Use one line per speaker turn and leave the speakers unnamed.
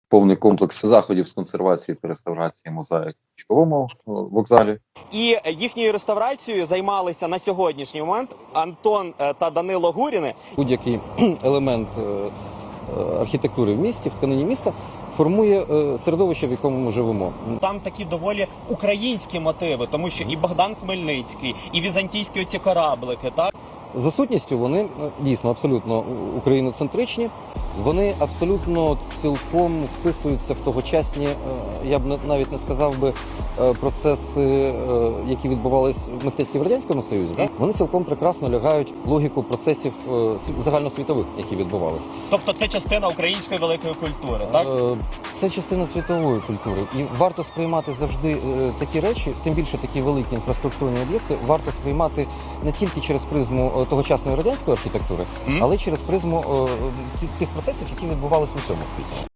повний комплекс заходів з консервації та реставрації мозаїк на Чуковому вокзалі.
І їхньою реставрацією займалися на сьогоднішній момент Антон та Данило Гуріни.
Будь-який елемент архітектури в місті, в тканині міста, формує середовище, в якому ми живемо.
Там такі доволі українські мотиви, тому що і Богдан Хмельницький, і візантійські оці кораблики, так?
За сутністю вони дійсно абсолютно україноцентричні, вони абсолютно цілком вписуються в тогочасні, я б навіть не сказав би, процеси, які відбувалися в мистецтві в Радянському Союзі. Так? Вони цілком прекрасно лягають в логіку процесів загальносвітових, які відбувалися.
Тобто це частина української великої культури, так?
Це частина світової культури. І варто сприймати завжди такі речі, тим більше такі великі інфраструктурні об'єкти, варто сприймати не тільки через призму тогочасної радянської архітектури, але через призму тих процесів, які відбувалися у всьому світі.